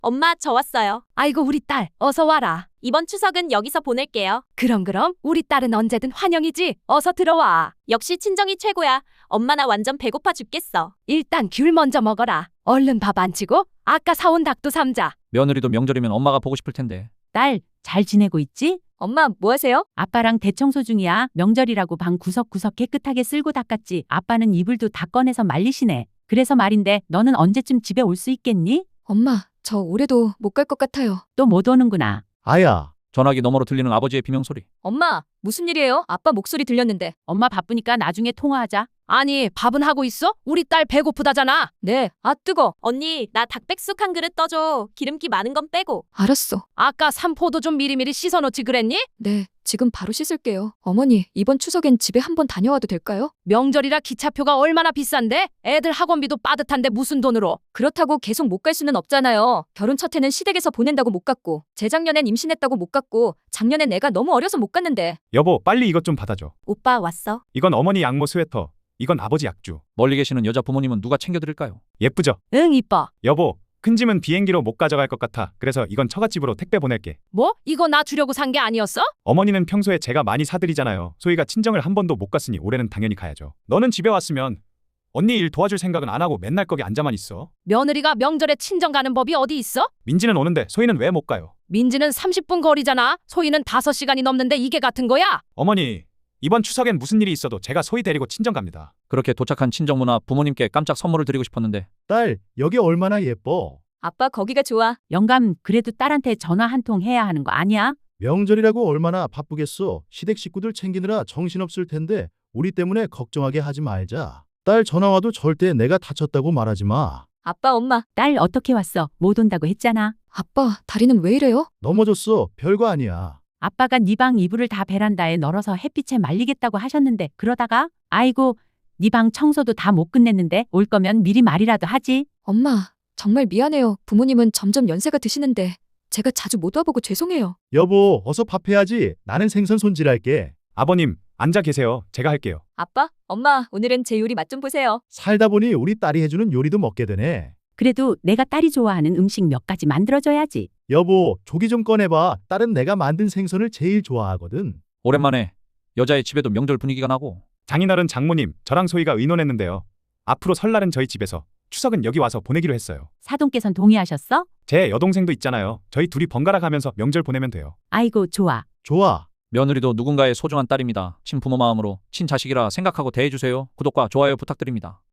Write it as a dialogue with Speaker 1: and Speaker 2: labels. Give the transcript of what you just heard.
Speaker 1: 엄마, 저 왔어요.
Speaker 2: 아이고 우리 딸 어서 와라.
Speaker 1: 이번 추석은 여기서 보낼게요.
Speaker 2: 그럼 우리 딸은 언제든 환영이지. 어서 들어와.
Speaker 1: 역시 친정이 최고야. 엄마 나 완전 배고파 죽겠어.
Speaker 2: 일단 귤 먼저 먹어라. 얼른 밥 안 치고 아까 사온 닭도 삼자.
Speaker 3: 며느리도 명절이면 엄마가 보고 싶을 텐데.
Speaker 4: 딸, 잘 지내고 있지?
Speaker 1: 엄마, 뭐 하세요?
Speaker 4: 아빠랑 대청소 중이야. 명절이라고 방 구석구석 깨끗하게 쓸고 닦았지. 아빠는 이불도 다 꺼내서 말리시네. 그래서 말인데 너는 언제쯤 집에 올 수 있겠니?
Speaker 5: 엄마, 저 올해도 못 갈 것 같아요.
Speaker 4: 또 못 오는구나.
Speaker 6: 아야,
Speaker 3: 전화기 너머로 들리는 아버지의 비명소리.
Speaker 5: 엄마, 무슨 일이에요? 아빠 목소리 들렸는데.
Speaker 4: 엄마 바쁘니까 나중에 통화하자.
Speaker 2: 아니 밥은 하고 있어? 우리 딸 배고프다잖아.
Speaker 5: 네, 아 뜨거.
Speaker 1: 언니, 나 닭백숙 한 그릇 떠줘. 기름기 많은 건 빼고.
Speaker 5: 알았어.
Speaker 2: 아까 삼포도 좀 미리미리 씻어놓지 그랬니?
Speaker 5: 네, 지금 바로 씻을게요. 어머니, 이번 추석엔 집에 한번 다녀와도 될까요?
Speaker 2: 명절이라 기차표가 얼마나 비싼데? 애들 학원비도 빠듯한데 무슨 돈으로?
Speaker 5: 그렇다고 계속 못 갈 수는 없잖아요. 결혼 첫 해는 시댁에서 보낸다고 못 갔고, 재작년엔 임신했다고 못 갔고, 작년엔 애가 너무 어려서 못 갔는데.
Speaker 7: 여보, 빨리 이것 좀 받아줘.
Speaker 1: 오빠 왔어.
Speaker 7: 이건 어머니 양모 스웨터. 이건 아버지 약주.
Speaker 3: 멀리 계시는 여자 부모님은 누가 챙겨드릴까요?
Speaker 7: 예쁘죠?
Speaker 2: 응 이뻐.
Speaker 7: 여보, 큰 짐은 비행기로 못 가져갈 것 같아. 그래서 이건 처갓집으로 택배 보낼게.
Speaker 2: 뭐? 이거 나 주려고 산 게 아니었어?
Speaker 7: 어머니는 평소에 제가 많이 사드리잖아요. 소희가 친정을 한 번도 못 갔으니 올해는 당연히 가야죠. 너는 집에 왔으면 언니 일 도와줄 생각은 안 하고 맨날 거기 앉아만 있어.
Speaker 2: 며느리가 명절에 친정 가는 법이 어디 있어?
Speaker 7: 민지는 오는데 소희는 왜 못 가요?
Speaker 2: 민지는 30분 거리잖아. 소희는 5시간이 넘는데 이게 같은 거야?
Speaker 7: 어머니, 이번 추석엔 무슨 일이 있어도 제가 소희 데리고 친정 갑니다.
Speaker 3: 그렇게 도착한 친정무나 부모님께 깜짝 선물을 드리고 싶었는데.
Speaker 6: 딸, 여기 얼마나 예뻐.
Speaker 5: 아빠 거기가 좋아.
Speaker 4: 영감, 그래도 딸한테 전화 한 통 해야 하는 거 아니야?
Speaker 6: 명절이라고 얼마나 바쁘겠어. 시댁 식구들 챙기느라 정신없을 텐데 우리 때문에 걱정하게 하지 말자. 딸 전화 와도 절대 내가 다쳤다고 말하지 마.
Speaker 5: 아빠, 엄마.
Speaker 4: 딸 어떻게 왔어? 못 온다고 했잖아.
Speaker 5: 아빠, 다리는 왜 이래요?
Speaker 6: 넘어졌어. 별거 아니야.
Speaker 4: 아빠가 네 방 이불을 다 베란다에 널어서 햇빛에 말리겠다고 하셨는데 그러다가 아이고 네 방 청소도 다 못 끝냈는데 올 거면 미리 말이라도 하지.
Speaker 5: 엄마, 정말 미안해요. 부모님은 점점 연세가 드시는데 제가 자주 못 와보고 죄송해요.
Speaker 6: 여보, 어서 밥 해야지. 나는 생선 손질할게.
Speaker 7: 아버님, 앉아 계세요. 제가 할게요.
Speaker 5: 아빠, 엄마, 오늘은 제 요리 맛 좀 보세요.
Speaker 6: 살다 보니 우리 딸이 해주는 요리도 먹게 되네.
Speaker 4: 그래도 내가 딸이 좋아하는 음식 몇 가지 만들어줘야지.
Speaker 6: 여보, 조기 좀 꺼내봐. 딸은 내가 만든 생선을 제일 좋아하거든.
Speaker 3: 오랜만에 여자의 집에도 명절 분위기가 나고.
Speaker 7: 장인어른 장모님, 저랑 소희가 의논했는데요. 앞으로 설날은 저희 집에서, 추석은 여기 와서 보내기로 했어요.
Speaker 4: 사돈께선 동의하셨어?
Speaker 7: 제 여동생도 있잖아요. 저희 둘이 번갈아 가면서 명절 보내면 돼요.
Speaker 4: 아이고 좋아.
Speaker 6: 좋아.
Speaker 3: 며느리도 누군가의 소중한 딸입니다. 친부모 마음으로 친자식이라 생각하고 대해주세요. 구독과 좋아요 부탁드립니다.